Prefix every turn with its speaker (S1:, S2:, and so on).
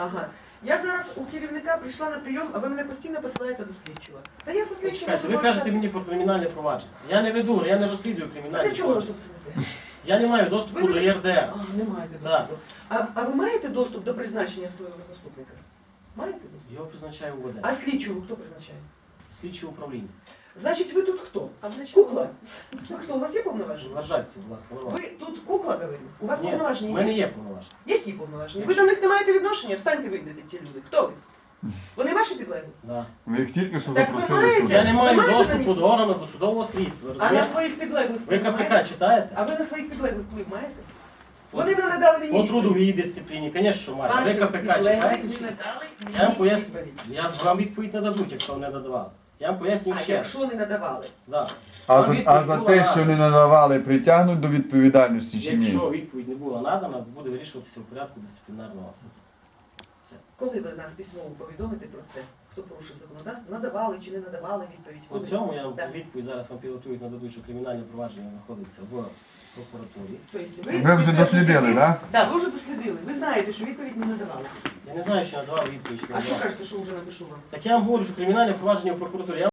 S1: Ага. Я зараз у керівника прийшла на прийом, а ви мене постійно посилаєте до слідчого. Та я за слідчим
S2: Чекайте,
S1: можу
S2: ви кажете
S1: пообщатися.
S2: мені про кримінальне провадження. Я не веду, я не розслідую
S1: А
S2: кримінальне
S1: для чого ви
S2: провадження.
S1: тут сидите?
S2: Я не маю доступу
S1: Ви
S2: до
S1: не-
S2: ЄРДР.
S1: А, не маєте
S2: Да.
S1: доступу. А ви маєте доступ до призначення свого заступника? Маєте доступ?
S2: Його призначає УВД.
S1: А слідчого хто призначає?
S2: Слідче управління.
S1: Значить, ви тут хто?
S3: А для чого?
S1: Кукла? Ви хто? У вас є повноваження?
S2: Вважайтеся, будь ласка, на вас.
S1: Ви тут кукла, говорю? У вас
S2: Ні, в
S1: повноваження
S2: мене
S1: є?
S2: є повноваження.
S1: Які повноваження? Ви до них не маєте відношення? Встаньте, вийдете, ці люди. Хто ви? Вони ваші підлеглі?
S2: Да.
S4: Ви їх тільки що
S1: Так ви
S4: запросили
S1: маєте?
S4: сюди.
S2: Я не маю
S1: Ви маєте
S2: доступу
S1: на них-
S2: до органу досудового слідства.
S1: А на
S2: Розумієте?
S1: своїх підлеглих
S2: Ви
S1: вплив
S2: КПК
S1: маєте?
S2: читаєте?
S1: А ви на своїх підлеглих вплив маєте? Вони не надали мені
S2: По
S1: відповідь.
S2: трудовій дисципліні, звісно, що маю. Ви
S1: Ваші
S2: КПК
S1: підлеглі
S2: читаєте?
S1: не
S2: чи?
S1: надали мені
S2: Я вам поясню.
S1: відповідь.
S2: Я вам відповідь не дадуть, якщо не надавали. Я вам поясню
S1: А
S2: ще раз.
S1: якщо не надавали?
S2: Да.
S4: А
S2: Вам
S4: за
S2: відповідь
S4: те,
S2: була
S4: що
S2: надана.
S4: не надавали, притягнуть до відповідальності чи ні?
S2: Якщо відповідь не була надана, буде вирішуватися в порядку дисциплінарного суду. Все.
S1: Коли ви нас письмово повідомите про це? Хто порушив законодавство? Надавали чи не надавали відповідь?
S2: По цьому я вам
S1: Так.
S2: відповідь зараз вам підготують, нададуть, що кримінальне провадження знаходиться в прокуратурі.
S1: Тобто
S4: Ви вже дослідили, так?
S1: Так, ви вже дослідили. Ви знаєте, що відповідь не надавали.
S2: Я не знаю, чи надавав відповідь, чи не
S1: А що
S2: надавав.
S1: кажете, що вже напишу вам?
S2: Так я вам говорю, що кримінальне провадження в прокуратурі.